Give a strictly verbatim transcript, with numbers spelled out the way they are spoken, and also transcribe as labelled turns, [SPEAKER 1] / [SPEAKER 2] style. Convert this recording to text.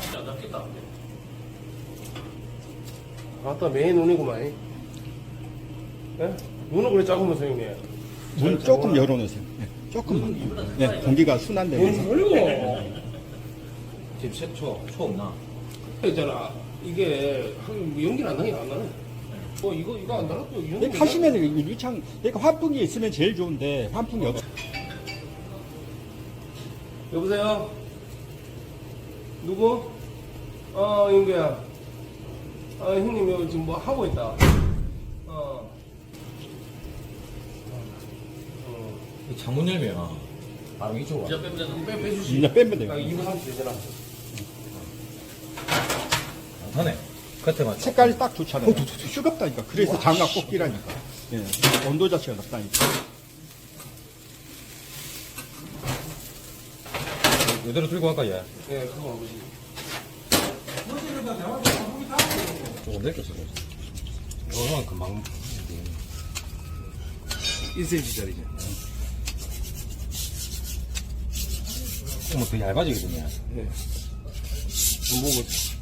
[SPEAKER 1] 진짜 안 닿겠다.
[SPEAKER 2] 아따 매의 눈이구만. 예? 눈은 그래 작으면서 형님.
[SPEAKER 3] 문 조금 열어놓으세요. 네, 조금만. 네, 공기가 순환되면서.
[SPEAKER 2] 뭔 소리고?
[SPEAKER 1] 지금 새, 초, 초 없나?
[SPEAKER 2] 있잖아. 이게 한 연기는 안 나긴 안 나네. 어 이거 이거 안 나갔고
[SPEAKER 3] 근데 하시면 유창, 그러니까 환풍기 있으면 제일 좋은데 환풍기 없어.
[SPEAKER 2] 여보세요? 누구? 어 윤규야. 아 형님 여기 지금 뭐 하고 있다. 어. 어.
[SPEAKER 1] 이 창문 열면 바로 이쪽으로 와.
[SPEAKER 2] 진짜 빼면 되나? 빼 빼주시.
[SPEAKER 3] 진짜 빼면 돼요.
[SPEAKER 2] 아, 이 분 삼십 되잖아.
[SPEAKER 1] 안 타네. 겉에만.
[SPEAKER 3] 색깔이 딱 좋잖아요. 뜨겁다니까. 그래서 장갑 꼭 끼라니까. 예, 온도 자체가 높다니까.
[SPEAKER 1] 이대로 들고 갈까, 얘?
[SPEAKER 2] 예, 그거 아버지.
[SPEAKER 1] 조금 넓혔어, 이거는 금방.
[SPEAKER 2] 일 센티미터짜리지.
[SPEAKER 1] 조금 더 얇아지거든요.
[SPEAKER 2] 예. 안 보고.